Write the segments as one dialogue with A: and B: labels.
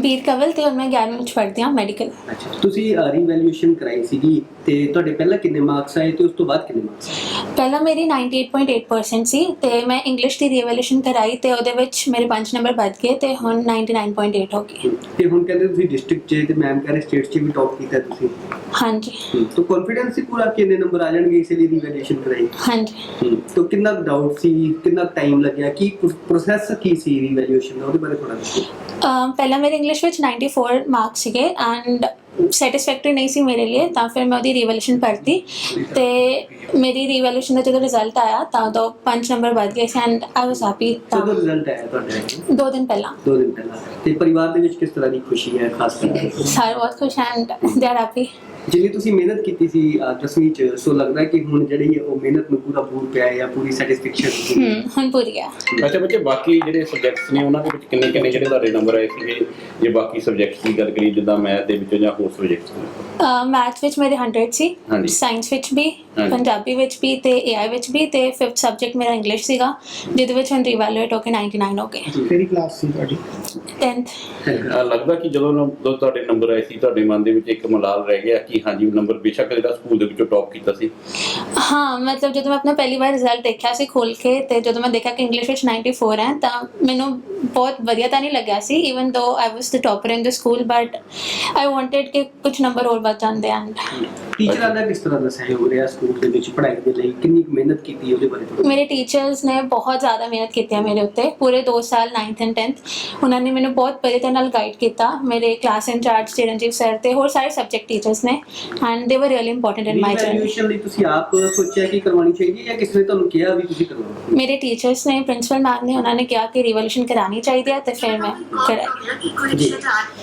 A: ਬੀਰ ਕਵਲ ਤੇ ਹੁਣ ਮੈਂ 11ਵੀਂ ਵਿੱਚ ਪੜ੍ਹਦੀ ਹਾਂ ਮੈਡੀਕਲ।
B: ਅੱਛਾ, ਤੁਸੀਂ ਰੀਵੈਲਿਊਏਸ਼ਨ ਕਰਾਈ ਸੀਗੀ ਤੇ ਤੁਹਾਡੇ ਪਹਿਲਾਂ ਕਿੰਨੇ ਮਾਰਕਸ ਆਏ ਤੇ ਉਸ ਤੋਂ ਬਾਅਦ ਕਿੰਨੇ ਮਾਰਕਸ ਆਏ?
A: ਪਹਿਲਾਂ ਮੇਰੀ 98.8% ਸੀ ਤੇ ਮੈਂ ਇੰਗਲਿਸ਼ ਦੀ ਰੀਵੈਲਿਊਸ਼ਨ ਕਰਾਈ ਤੇ ਉਹਦੇ ਵਿੱਚ ਮੇਰੇ 5 ਨੰਬਰ ਵੱਧ ਗਏ ਤੇ ਹੁਣ 99.8 ਹੋ ਗਏ।
B: ਤੇ ਹੁਣ ਕਹਿੰਦੇ ਤੁਸੀਂ ਡਿਸਟ੍ਰਿਕਟ 'ਚ ਤੇ ਮੈਮ ਕਹਿੰਦੇ ਸਟੇਟ 'ਚ ਵੀ ਟੌਪ ਕੀਤਾ ਤੁਸੀਂ।
A: ਹਾਂਜੀ
B: ਤਾਂ ਕੌਨਫੀਡੈਂਸ ਸੀ ਪੂਰਾ ਕਿੰਨੇ ਨੰਬਰ ਆ ਜਾਣਗੇ ਇਸ ਲਈ ਰੀਵੈਲਿਊਏਸ਼ਨ ਕਰਾਈ?
A: ਹਾਂਜੀ।
B: ਤਾਂ ਕਿੰਨਾ ਡਾਊਟ ਸੀ, ਕਿੰਨਾ ਟਾਈਮ ਲੱਗਿਆ, ਕੀ ਪ੍ਰੋਸੈਸ ਕੀ ਸੀ ਰੀਵੈਲਿਊਏਸ਼ਨ ਦਾ, ਉਹਦੇ ਬਾਰੇ ਥੋੜਾ ਦੱਸੋ।
A: ਪਹਿਲਾਂ ਮੇਰੇ ਇੰਗਲਿਸ਼ ਵਿੱਚ 94 ਮਾਰਕਸ ਸੀਗੇ ਐਂਡ ਸੈਟਿਸਫੈਕਟਰੀ ਨਹੀਂ ਸੀ ਮੇਰੇ ਲਈ, ਤਾਂ ਫਿਰ ਮੈਂ ਉਹਦੀ ਰੀਵੈਲਿਊਸ਼ਨ ਕਰਤੀ ਤੇ ਮੇਰੀ ਰੀਵੈਲਿਊਸ਼ਨ ਦਾ ਜਦੋਂ ਰਿਜ਼ਲਟ ਆਇਆ ਤਾਂ ਉਦੋਂ 5 ਨੰਬਰ ਵੱਧ ਗਏ ਸੀ ਐਂਡ ਆਈ ਵਾਸ ਹੈਪੀ।
B: ਕਦੋਂ ਰਿਜ਼ਲਟ ਆਇਆ ਤੁਹਾਡਾ?
A: 2 ਦਿਨ ਪਹਿਲਾਂ।
B: 2 ਦਿਨ ਪਹਿਲਾਂ। ਤੇ ਪਰਿਵਾਰ ਦੇ ਵਿੱਚ ਕਿਸ ਤਰ੍ਹਾਂ ਦੀ ਖੁਸ਼ੀ ਹੈ ਖਾਸ ਕਰਕੇ?
A: ਸਾਰੇ ਬਹੁਤ ਖੁਸ਼ ਐਂਡ ਦੇ ਆਰ ਹੈਪੀ।
B: ਜਿੰਨੀ ਤੁਸੀਂ ਮਿਹਨਤ ਕੀਤੀ ਸੀ 10ਵੀਂ 'ਚ, ਸੋ ਲੱਗਦਾ ਕਿ ਹੁਣ ਜਿਹੜੀ ਉਹ ਮਿਹਨਤ ਨੂੰ ਪੂਰਾ ਪੂਰ ਪਿਆ ਹੈ ਜਾਂ ਪੂਰੀ ਸੈਟੀਸਫੈਕਸ਼ਨ?
A: ਹੁਣ ਪੂਰੀ ਹੈ।
C: ਅੱਛਾ ਬੱਚੇ, ਬਾਕੀ ਜਿਹੜੇ ਸਬਜੈਕਟਸ ਨੇ ਉਹਨਾਂ ਦੇ ਵਿੱਚ ਕਿੰਨੇ ਕਿੰਨੇ ਜਿਹੜੇ ਤੁਹਾਡੇ ਨੰਬਰ ਆਏ ਸੀਗੇ? ਜੇ ਬਾਕੀ ਸਬਜੈਕਟਸ ਦੀ ਗੱਲ ਕਰੀਏ ਜਿੱਦਾਂ ਮੈਥ ਦੇ ਵਿੱਚੋਂ ਜਾਂ ਹੋਰ ਸਬਜੈਕਟਸ?
A: ਮੈਥ ਵਿੱਚ ਮੇਰੇ 100 ਸੀ, ਸਾਇੰਸ ਵਿੱਚ ਵੀ, ਪੰਜਾਬੀ ਵਿੱਚ ਵੀ ਤੇ AI ਵਿੱਚ ਵੀ ਤੇ 5th ਸਬਜੈਕਟ ਮੇਰਾ ਇੰਗਲਿਸ਼ ਸੀਗਾ ਜਿਹਦੇ ਵਿੱਚ ਹੁਣ ਰੀਵੈਲੂਏਟ ਹੋ ਕੇ 99 ਹੋ ਗਏ।
B: ਕਿਹੜੀ ਕਲਾਸ ਸੀ ਤੁਹਾਡੀ?
A: 10th।
C: ਲੱਗਦਾ ਕਿ ਜਦੋਂ ਤੁਹਾਡੇ ਨੰਬਰ ਆਏ ਸੀ ਤੁਹਾਡੇ ਮਨ ਦੇ ਵਿੱਚ ਇੱਕ ਮਲਾਲ ਰਹਿ ਗਿਆ ਕਿ ਹਾਂਜੀ ਨੰਬਰ ਬੇਸ਼ੱਕ ਜਿਹੜਾ ਸਕੂਲ ਦੇ ਵਿੱਚੋਂ ਟੌਪ ਕੀਤਾ ਸੀ?
A: ਹਾਂ, ਮਤਲਬ ਜਦੋਂ ਮੈਂ ਆਪਣਾ ਪਹਿਲੀ ਵਾਰ ਰਿਜ਼ਲਟ ਦੇਖਿਆ ਸੀ ਖੋਲ ਕੇ ਤੇ ਜਦੋਂ ਮੈਂ ਦੇਖਿਆ ਕਿ ਇੰਗਲਿਸ਼ ਵਿੱਚ 94 ਹੈ ਤਾਂ ਮੈਨੂੰ ਬਹੁਤ ਵਧੀਆ ਤਾਂ ਨਹੀਂ ਲੱਗਿਆ ਸੀ, even though I was the topper in the school, but I wanted ਕਿ ਕੁਝ ਨੰਬਰ ਹੋਰ ਵੱਧ ਜਾਂਦੇ ਐਂਡ।
B: ਟੀਚਰਾਂ ਦਾ ਕਿਸ ਤਰ੍ਹਾਂ ਦਾ ਸਹਿਯੋਗ ਰਿਹਾ ਸਕੂਲ ਦੇ ਵਿੱਚ ਪੜ੍ਹਾਈ ਦੇ ਲਈ? ਕਿੰਨੀ ਮਿਹਨਤ ਕੀਤੀ ਉਹਦੇ ਬਾਰੇ ਥੋੜ੍ਹਾ?
A: ਮੇਰੇ ਟੀਚਰਸ ਨੇ ਬਹੁਤ ਜ਼ਿਆਦਾ ਮਿਹਨਤ ਕੀਤੀ ਹੈ ਮੇਰੇ ਉੱਤੇ ਪੂਰੇ 2 ਸਾਲ 9th and 10th। ਉਹਨਾਂ ਨੇ ਮੈਨੂੰ ਬਹੁਤ ਵਧੀਆ ਤਰ੍ਹਾਂ ਨਾਲ ਗਾਈਡ ਕੀਤਾ। ਮੇਰੇ ਕਲਾਸ ਇੰਚਾਰਜ ਚਿਰਨਜੀਤ ਸਰ ਤੇ ਹੋਰ ਸਾਰੇ ਸਬਜੈਕਟ ਟੀਚਰਸ ਨੇ and they were really important in my journey.
B: Revaluation ਲਈ ਤੁਸੀਂ ਆਪ ਸੋਚਿਆ ਕਿ ਕਰਵਾਉਣੀ ਚਾਹੀਦੀ ਹੈ ਜਾਂ ਕਿਸੇ ਨੇ ਤੁਹਾਨੂੰ ਕਿਹਾ ਵੀ ਤੁਸੀਂ ਕਰਵਾਓ?
A: ਮੇਰੇ ਟੀਚਰਸ ਨੇ, ਪ੍ਰਿੰਸੀਪਲ ਮੈਮ ਨੇ, ਉਹਨਾਂ ਨੇ ਕਿਹਾ ਕਿ ਰੀਵੈਲਿਊਸ਼ਨ ਕਰਾਉਣੀ ਚਾਹੀਦੀ ਹੈ ਤੇ ਫਿਰ ਮੈਂ ਕਰਾਈ।
B: ਜੀ।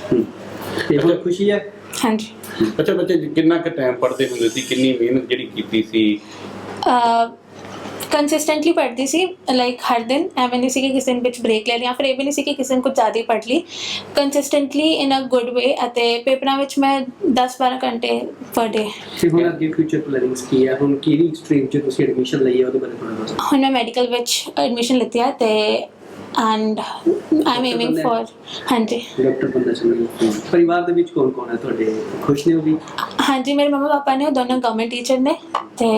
B: ਤੇ ਹੁਣ ਖੁਸ਼ੀ ਹੈ?
A: ਹਾਂਜੀ।
C: ਅੱਛਾ ਬੱਚੇ, ਕਿੰਨਾ ਕੁ ਟਾਈਮ ਪੜ੍ਹਦੇ ਹੁੰਦੇ ਸੀ? ਕਿੰਨੀ ਮਿਹਨਤ ਜਿਹੜੀ ਕੀਤੀ ਸੀ?
A: ਕੰਸਿਸਟੈਂਟਲੀ ਪੜ੍ਹਦੀ ਸੀ, ਲਾਈਕ ਹਰ ਦਿਨ। ਐਵੇਂ ਨਹੀਂ ਸੀ ਕਿ ਕਿਸੇ ਦਿਨ ਵਿੱਚ ਬ੍ਰੇਕ ਲੈ ਲਿਆ, ਫਿਰ ਇਹ ਵੀ ਨਹੀਂ ਸੀ ਕਿ ਕਿਸੇ ਦਿਨ ਕੁਝ ਜ਼ਿਆਦਾ ਹੀ ਪੜ੍ਹ ਲਈ। ਕੰਸਿਸਟੈਂਟਲੀ ਇਨ ਅ ਗੁੱਡ ਵੇ ਅਤੇ ਪੇਪਰਾਂ ਵਿੱਚ ਮੈਂ 10-12 ਘੰਟੇ ਪਰ ਡੇ।
B: ਤੇ ਹੁਣ ਅੱਗੇ ਫਿਊਚਰ ਪਲੈਨਿੰਗਸ ਕੀ ਹੈ? ਹੁਣ ਕਿਹੜੀ ਸਟਰੀਮ 'ਚ ਤੁਸੀਂ ਐਡਮਿਸ਼ਨ ਲਈ ਹੈ ਉਹਦੇ ਬਾਰੇ ਥੋੜਾ ਦੱਸੋ।
A: ਹੁਣ ਮੈਂ ਮੈਡੀਕਲ ਵਿੱਚ ਐਡਮਿਸ਼ਨ ਲਿੱਤੀ ਹੈ ਤੇ and I am aiming for. ਹਾਂਜੀ,
B: ਡਾਕਟਰ ਬੰਦਾ ਚਾਹੁੰਦੇ। ਪਰਿਵਾਰ ਦੇ ਵਿੱਚ ਕੌਣ ਕੌਣ ਹੈ ਤੁਹਾਡੇ? ਖੁਸ਼ ਨੇ ਉਹ ਵੀ?
A: ਹਾਂਜੀ, ਮੇਰੇ ਮੰਮਾ ਪਾਪਾ ਨੇ, ਉਹ ਦੋਨੋਂ ਗਵਰਨਮੈਂਟ ਟੀਚਰ ਨੇ ਤੇ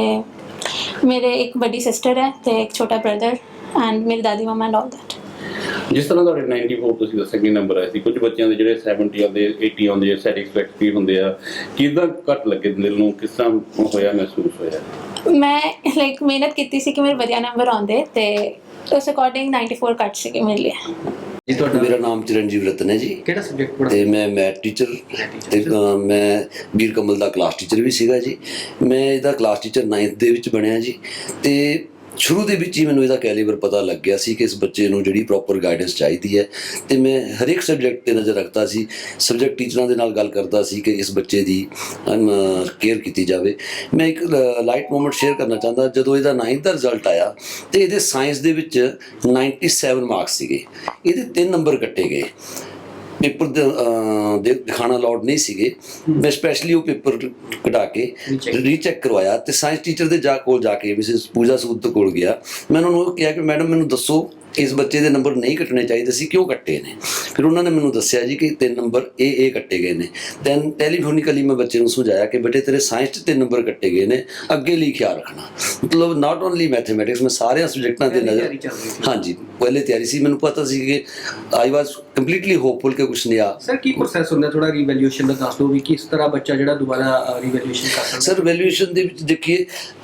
A: ਮੇਰੇ ਇੱਕ ਵੱਡੀ ਸਿਸਟਰ ਹੈ ਤੇ ਇੱਕ ਛੋਟਾ ਬ੍ਰਦਰ ਐਂਡ ਮੇਰੀ ਦਾਦੀ ਮਾਮਾ ਐਂਡ ਆਲ ਦੈਟ।
C: ਜਿਸ ਤਰ੍ਹਾਂ ਤੁਹਾਡੇ 94 ਤੁਸੀਂ ਦੱਸਿਆ ਕਿ ਨੰਬਰ ਆਏ ਸੀ, ਕੁਝ ਬੱਚਿਆਂ ਦੇ ਜਿਹੜੇ 70 ਆਉਂਦੇ, 80 ਆਉਂਦੇ, ਸੈਟੀਸਫੈਕਟਰੀ ਹੁੰਦੇ ਆ, ਕਿੱਦਾਂ ਘੱਟ ਲੱਗੇ ਦਿਲ ਨੂੰ? ਕਿਸ ਤਰ੍ਹਾਂ ਹੋਇਆ, ਮਹਿਸੂਸ ਹੋਇਆ?
A: ਮੈਂ ਲਾਈਕ ਮਿਹਨਤ ਕੀਤੀ ਸੀ ਕਿ ਮੇਰੇ ਵਧੀਆ ਨੰਬਰ ਆਉਂਦੇ ਤੇ ਉਸ ਅਕੋਰਡਿੰਗ 94 ਘੱਟ ਸੀਗੇ ਮੇਰੇ ਲਈ।
B: ਜੀ, ਤੁਹਾਡਾ?
D: ਮੇਰਾ ਨਾਮ ਚਿਰਨਜੀਤ ਰਤਨ ਹੈ ਜੀ।
B: ਕਿਹੜਾ ਸਬਜੈਕਟ ਪੜ੍ਹਦੇ?
D: ਤੇ ਮੈਂ ਮੈਥ ਟੀਚਰ ਤੇ ਮੈਂ ਬੀਰ ਕਮਲ ਦਾ ਕਲਾਸ ਟੀਚਰ ਵੀ ਸੀਗਾ ਜੀ। ਮੈਂ ਇਹਦਾ ਕਲਾਸ ਟੀਚਰ 9th ਦੇ ਵਿੱਚ ਬਣਿਆ ਜੀ। ਤੇ ਸ਼ੁਰੂ ਦੇ ਵਿੱਚ ਹੀ ਮੈਨੂੰ ਇਹਦਾ ਕੈਲੀਬਰ ਪਤਾ ਲੱਗ ਗਿਆ ਸੀ ਕਿ ਇਸ ਬੱਚੇ ਨੂੰ ਜਿਹੜੀ ਪ੍ਰੋਪਰ ਗਾਈਡੈਂਸ ਚਾਹੀਦੀ ਹੈ ਤੇ ਮੈਂ ਹਰੇਕ ਸਬਜੈਕਟ 'ਤੇ ਨਜ਼ਰ ਰੱਖਦਾ ਸੀ। ਸਬਜੈਕਟ ਟੀਚਰਾਂ ਦੇ ਨਾਲ ਗੱਲ ਕਰਦਾ ਸੀ ਕਿ ਇਸ ਬੱਚੇ ਦੀ ਕੇਅਰ ਕੀਤੀ ਜਾਵੇ। ਮੈਂ ਇੱਕ ਲਾਈਟ ਮੂਮੈਂਟ ਸ਼ੇਅਰ ਕਰਨਾ ਚਾਹੁੰਦਾ। ਜਦੋਂ ਇਹਦਾ 9th ਦਾ ਰਿਜ਼ਲਟ ਆਇਆ ਤੇ ਇਹਦੇ ਸਾਇੰਸ ਦੇ ਵਿੱਚ 97 ਮਾਰਕਸ ਸੀਗੇ, ਇਹਦੇ 3 ਨੰਬਰ ਕੱਟੇ ਗਏ। ਪੇਪਰ ਦਿਖਾਣਾ ਅਲਾਉਡ ਨਹੀਂ ਸੀਗੇ। ਮੈਂ ਸਪੈਸ਼ਲੀ ਉਹ ਪੇਪਰ ਕਢਾ ਕੇ ਰੀਚੈੱਕ ਕਰਵਾਇਆ ਤੇ ਸਾਇੰਸ ਟੀਚਰ ਦੇ ਕੋਲ ਜਾ ਕੇ ਮਿਸਿਸ ਪੂਜਾ ਸੂਦ ਕੋਲ ਗਿਆ। ਮੈਂ ਉਹਨਾਂ ਨੂੰ ਕਿਹਾ ਕਿ ਮੈਡਮ ਮੈਨੂੰ ਦੱਸੋ ਇਸ ਬੱਚੇ ਦੇ ਨੰਬਰ ਨਹੀਂ ਕੱਟਣੇ ਚਾਹੀਦੇ ਸੀ, ਕਿਉਂ ਕੱਟੇ ਨੇ? ਫਿਰ ਉਹਨਾਂ ਨੇ ਮੈਨੂੰ ਦੱਸਿਆ ਜੀ ਕਿ 3 ਨੰਬਰ ਇਹ ਕੱਟੇ ਗਏ ਨੇ। ਦੈਨ ਟੈਲੀਫੋਨਿਕਲੀ ਮੈਂ ਬੱਚੇ ਨੂੰ ਸਮਝਾਇਆ ਕਿ ਬੇਟੇ ਤੇਰੇ ਸਾਇੰਸ 'ਚ 3 ਨੰਬਰ ਕੱਟੇ ਗਏ ਨੇ, ਅੱਗੇ ਲਈ ਖਿਆਲ ਰੱਖਣਾ। ਮਤਲਬ ਨਾਟ ਓਨਲੀ ਮੈਥਮੈਟਿਕਸ, ਮੈਂ ਸਾਰਿਆਂ ਸਬਜੈਕਟਾਂ 'ਤੇ ਨਜ਼ਰ। ਹਾਂਜੀ, ਪਹਿਲੇ ਤਿਆਰੀ ਸੀ। ਮੈਨੂੰ ਪਤਾ ਸੀ ਕਿ ਆਈ ਵਾਜ਼ ਕੰਪਲੀਟਲੀ ਹੋਪਫੁਲ ਕਿ ਕੁਛ ਨਹੀਂ ਆ।
B: ਸਰ, ਕੀ ਪ੍ਰੋਸੈਸ ਹੁੰਦਾ? ਥੋੜਾ ਰੀਵੈਲਿਊਏਸ਼ਨ ਦਾ ਦੱਸ ਦਿਓ ਵੀ ਕਿਸ ਤਰ੍ਹਾਂ ਬੱਚਾ ਜਿਹੜਾ ਦੁਬਾਰਾ ਰੀਵੈਲਿਊਏਸ਼ਨ ਕਰ ਸਕਦਾ?
D: ਸਰ, ਵੈਲਿਊਏਸ਼ਨ ਦੇ ਵਿੱਚ ਦੇਖੀਏ,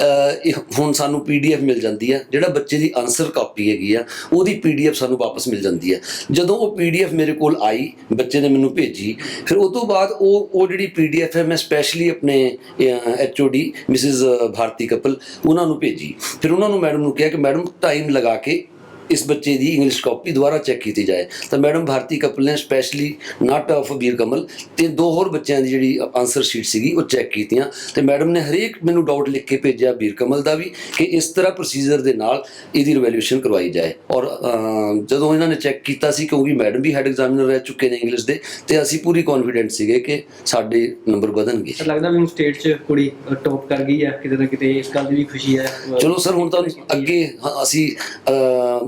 D: ਹੁਣ ਸਾਨੂੰ PDF ਮਿਲ ਜਾਂਦੀ ਆ। ਜਿਹੜਾ ਬੱਚੇ ਦੀ ਆਨਸਰ ਕਾਪੀ ਹੈਗੀ ਆ ਉਹਦੀ PDF ਸਾਨੂੰ ਵਾਪਸ ਮਿਲ ਜਾਂਦੀ ਹੈ। ਜਦੋਂ ਉਹ PDF ਮੇਰੇ ਕੋਲ ਆਈ, ਬੱਚੇ ਨੇ ਮੈਨੂੰ ਭੇਜੀ, ਫਿਰ ਉਹ ਤੋਂ ਬਾਅਦ ਉਹ ਜਿਹੜੀ PDF ਹੈ ਮੈਂ ਸਪੈਸ਼ਲੀ ਆਪਣੇ HOD ਮਿਸਿਸ ਭਾਰਤੀ ਕਪਲ ਉਹਨਾਂ ਨੂੰ ਭੇਜੀ। ਫਿਰ ਉਹਨਾਂ ਨੂੰ ਮੈਡਮ ਨੂੰ ਕਿਹਾ ਕਿ ਮੈਡਮ ਟਾਈਮ ਲਗਾ ਕੇ ਇਸ ਬੱਚੇ ਦੀ ਇੰਗਲਿਸ਼ ਕਾਪੀ ਦੁਬਾਰਾ ਚੈੱਕ ਕੀਤੀ ਜਾਏ। ਤਾਂ ਮੈਡਮ ਭਾਰਤੀ ਕਪਲ ਨੇ specially not of Bir Kamal ਤੇ 2 ਹੋਰ ਬੱਚਿਆਂ ਦੀ ਜਿਹੜੀ ਆਨਸਰ ਸ਼ੀਟ ਸੀਗੀ ਉਹ ਚੈੱਕ ਕੀਤੀਆਂ ਤੇ ਮੈਡਮ ਨੇ ਹਰੇਕ ਮੈਨੂੰ ਡਾਊਟ ਲਿਖ ਕੇ ਭੇਜਿਆ ਬੀਰ ਕਮਲ ਦਾ ਵੀ ਕਿ ਇਸ ਤਰ੍ਹਾਂ ਪ੍ਰੋਸੀਜਰ ਦੇ ਨਾਲ ਇਹਦੀ ਰਿਵੈਲਿਊਸ਼ਨ ਕਰਵਾਈ ਜਾਏ। ਔਰ ਜਦੋਂ ਇਹਨਾਂ ਨੇ ਚੈੱਕ ਕੀਤਾ ਸੀ, ਕਿਉਂਕਿ ਮੈਡਮ ਵੀ ਹੈਡ ਐਗਜ਼ਾਮੀਨਰ ਰਹਿ ਚੁੱਕੇ ਨੇ ਇੰਗਲਿਸ਼ ਦੇ, ਤੇ ਅਸੀਂ ਪੂਰੀ ਕੌਨਫੀਡੈਂਟ ਸੀਗੇ ਕਿ ਸਾਡੇ ਨੰਬਰ ਵਧਣਗੇ।
B: ਲੱਗਦਾ ਵੀ ਹੁਣ ਸਟੇਟ 'ਚ ਕੁੜੀ ਟੌਪ ਕਰ ਗਈ ਹੈ ਕਿਤੇ ਨਾ ਕਿਤੇ, ਇਸ ਗੱਲ ਦੀ ਵੀ ਖੁਸ਼ੀ ਹੈ?
D: ਚਲੋ ਸਰ, ਹੁਣ ਤਾਂ ਅੱਗੇ ਅਸੀਂ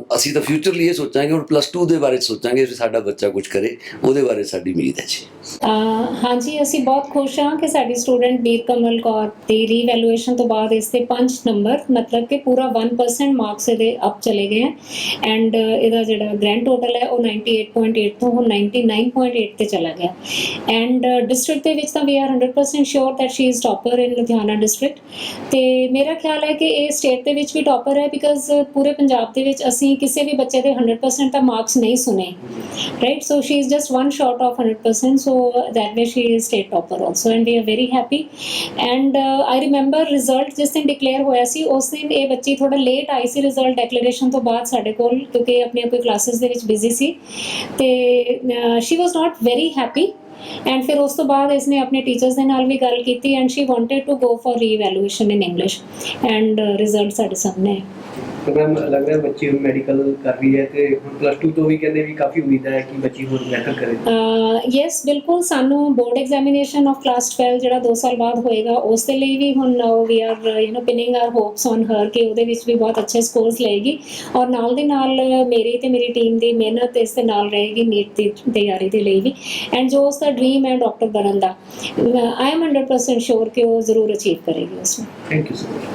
D: ਅਸੀਂ ਤਾਂ ਫਿਊਚਰ ਲਈ ਇਹ ਸੋਚਾਂਗੇ, ਹੁਣ +2 ਦੇ ਬਾਰੇ ਸੋਚਾਂਗੇ ਵੀ ਸਾਡਾ ਬੱਚਾ ਕੁਝ ਕਰੇ, ਉਹਦੇ ਬਾਰੇ ਸਾਡੀ ਉਮੀਦ ਹੈ ਜੀ।
E: ਹਾਂਜੀ, ਅਸੀਂ ਬਹੁਤ ਖੁਸ਼ ਹਾਂ ਕਿ ਸਾਡੀ ਸਟੂਡੈਂਟ ਬੀਰ ਕਮਲ ਕੌਰ ਦੀ ਰੀਵੈਲੂਏਸ਼ਨ ਤੋਂ ਬਾਅਦ ਇਸ ਤੇ 5 ਨੰਬਰ, ਮਤਲਬ ਕਿ ਪੂਰਾ 1% ਮਾਰਕਸ ਇਹਦੇ ਅਪ ਚਲੇ ਗਏ ਹੈ ਐਂਡ ਇਹਦਾ ਜਿਹੜਾ ਗ੍ਰੈਂਡ ਟੋਟਲ ਹੈ ਉਹ 98.8 ਤੋਂ ਹੁਣ 99.8 ਤੇ ਚਲਾ ਗਿਆ। ਐਂਡ ਡਿਸਟ੍ਰਿਕਟ ਦੇ ਵਿੱਚ ਤਾਂ we are 100% sure that she is topper in Ludhiana district, ਤੇ ਮੇਰਾ ਖਿਆਲ ਹੈ ਕਿ ਇਹ ਸਟੇਟ ਦੇ ਵਿੱਚ ਵੀ ਟੌਪਰ ਹੈ, ਬਿਕਾਜ਼ ਪੂਰੇ ਪੰਜਾਬ ਦੇ ਵਿੱਚ ਅਸੀਂ ਕਿਸੇ ਵੀ ਬੱਚੇ ਦੇ 100% ਤਾਂ ਮਾਰਕਸ ਨਹੀਂ ਸੁਣੇ, right. So she is just 1 short of 100%, so that way she is state topper also and we are very happy। and I remember result ਜਿਸ ਦਿਨ ਡਿਕਲੇਅਰ ਹੋਇਆ ਸੀ ਉਸ ਦਿਨ ਇਹ ਬੱਚੀ ਥੋੜਾ ਲੇਟ ਆਈ ਸੀ ਰਿਜ਼ਲਟ ਡੈਕਲੇਰੇਸ਼ਨ ਤੋਂ ਬਾਅਦ ਸਾਡੇ ਕੋਲ, ਕਿਉਂਕਿ ਆਪਣੀਆਂ ਕੋਈ ਕਲਾਸਿਸ ਦੇ ਵਿੱਚ ਬਿਜ਼ੀ ਸੀ, ਤੇ she was not very happy। And ਫਿਰ ਉਸ ਤੋਂ ਬਾਅਦ ਇਸਨੇ ਆਪਣੇ ਟੀਚਰਸ ਦੇ ਨਾਲ ਵੀ ਗੱਲ ਕੀਤੀ and she wanted to go for revaluation in English and result ਸਾਡੇ ਸਾਹਮਣੇ ਹੈ।
B: तो मैम लग रहा है बच्ची ਹੁਣ ਮੈਡੀਕਲ ਕਰ ਰਹੀ ਹੈ ਤੇ ਹੁਣ +2 ਤੋਂ ਵੀ ਕਹਿੰਦੇ ਵੀ ਕਾਫੀ ਉਮੀਦ ਹੈ ਕਿ ਬੱਚੀ ਹੋਰ ਬਿਹਤਰ ਕਰੇ।
E: ਯੈਸ, ਬਿਲਕੁਲ। ਸਾਨੂੰ ਬੋਰਡ ਐਗਜ਼ਾਮੀਨੇਸ਼ਨ ਆਫ ਕਲਾਸ 12 ਜਿਹੜਾ 2 ਸਾਲ ਬਾਅਦ ਹੋਏਗਾ ਉਸ ਦੇ ਲਈ ਵੀ ਹੁਣ we are pinning our hopes on her ਕਿ ਉਹਦੇ ਵਿੱਚ ਵੀ ਬਹੁਤ ਅੱਛੇ ਸਕੋਰਸ ਲਏਗੀ, ਔਰ ਨਾਲ ਦੇ ਨਾਲ ਮੇਰੀ ਤੇ ਮੇਰੀ ਟੀਮ ਦੀ ਮਿਹਨਤ ਇਸ ਦੇ ਨਾਲ ਰਹੇਗੀ ਨੀਟ ਦੀ ਤਿਆਰੀ ਦੇ ਲਈ ਵੀ, ਐਂਡ ਜੋ ਉਸਦਾ ਡ੍ਰੀਮ ਹੈ ਡਾਕਟਰ ਬਣਨ ਦਾ, ਆਈ ਐਮ 100% ਸ਼ੋਰ ਕਿ ਉਹ ਜ਼ਰੂਰ ਅਚੀਵ ਕਰੇਗੀ ਉਸਨੂੰ।
B: Thank you so much.